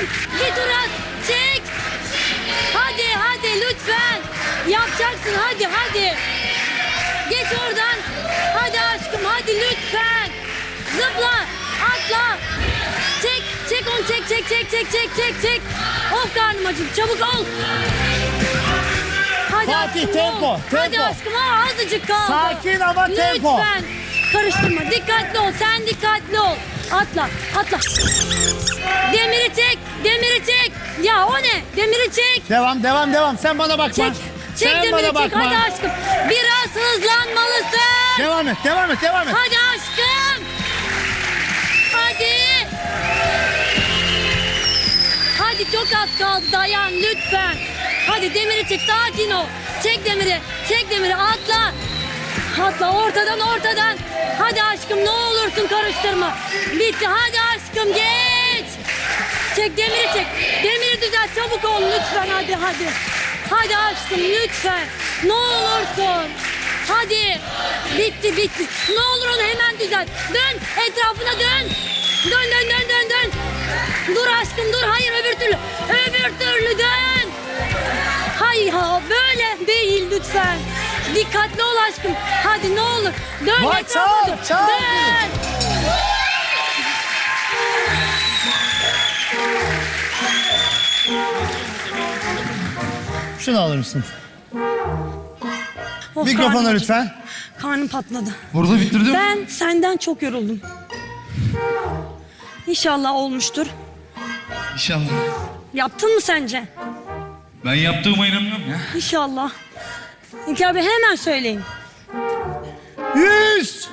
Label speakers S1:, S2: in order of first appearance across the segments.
S1: Dön. Bir tur at. Çek. Hadi lütfen. Yapacaksın hadi. Geç oradan. Hadi aşkım hadi lütfen. Zıpla. Atla. Çek onu çek. Of karnım acıktı. Çabuk ol. Hadi
S2: Fatih,
S1: aşkım,
S2: tempo,
S1: ol. Hadi
S2: tempo.
S1: aşkım azıcık kaldı.
S2: Sakin ama tempo.
S1: Lütfen. Karıştırma. Dikkatli ol. Sen dikkatli ol. Atla. Demiri çek. Ya o ne? Demiri çek.
S2: Devam. Sen bana bakma.
S1: Çek
S2: Sen
S1: demiri
S2: bana
S1: çek.
S2: bakma.
S1: Hadi aşkım. Biraz hızlanmalısın.
S2: Devam et.
S1: Hadi aşkım. Hadi çok az kaldı. Dayan lütfen. Hadi demiri çek. Sakin ol. Çek demiri. Atla ortadan. Hadi aşkım ne olursun karıştırma. Bitti. Hadi aşkım geç. Çek. Demiri düzelt. Çabuk ol lütfen. Hadi. Hadi aşkım lütfen. Ne olursun. Hadi. Bitti. Ne olur onu hemen düzelt. Dön. Etrafına dön. Dön. Dur aşkım dur. Hayır öbür türlü dön. Hayır böyle değil lütfen. Dikkatli ol aşkım. Hadi ne olur. Dön
S2: Vay,
S1: etrafına
S2: çal.
S1: dön.
S2: Şunu alır mısın?
S1: Of,
S2: Mikrofona
S1: karnım
S2: lütfen.
S1: acıktı. Karnım patladı.
S3: Burada bitirdim.
S1: Ben senden çok yoruldum. İnşallah olmuştur.
S3: İnşallah.
S1: Yaptın mı sence?
S3: Ben yaptığıma inanmıyorum ya.
S1: İnşallah. İlker Bey hemen söyleyin.
S2: 100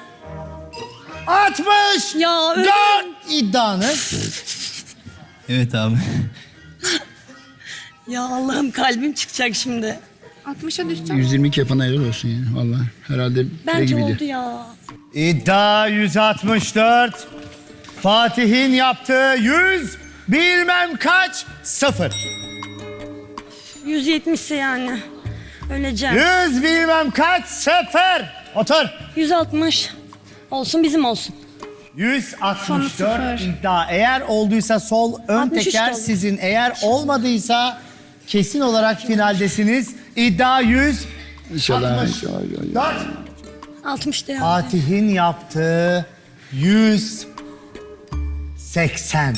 S2: 60
S1: Ya,
S2: 4 iddianız.
S3: Evet abi.
S1: Ya Allah'ım kalbim çıkacak şimdi.
S4: 60'a düşeceğim.
S5: 122 yapan helal olsun yani vallahi. Herhalde
S1: Bence
S5: gibiydi.
S1: oldu ya.
S2: İddia 164. Fatih'in yaptığı 100 bilmem kaç 0.
S1: 170 ise yani. Öleceğim.
S2: 100 bilmem kaç 0. Otur.
S1: 160 olsun bizim olsun.
S2: 164 iddia. Eğer olduysa sol ön
S1: 63
S2: teker
S1: oldu.
S2: sizin. Eğer olmadıysa kesin olarak finaldesiniz. İddia 100.
S5: İnşallah.
S2: 60.
S5: inşallah.
S2: 4.
S1: 60 de ya.
S2: Fatih'in yaptığı 180.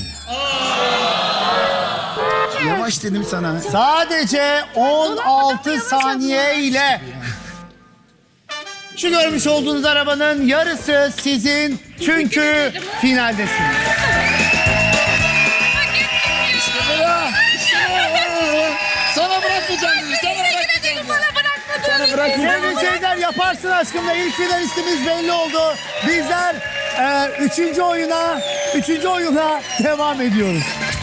S5: Yavaş dedim sana.
S2: Sadece 16 saniye ile şu görmüş olduğunuz arabanın yarısı sizin çünkü finaldesiniz.
S5: Sana bırakmayacağım dedi. Sana bırakmayacağım.
S2: Sevgili seyirciler yaparsın aşkımla ilk finalistimiz belli oldu. Bizler üçüncü oyuna devam ediyoruz.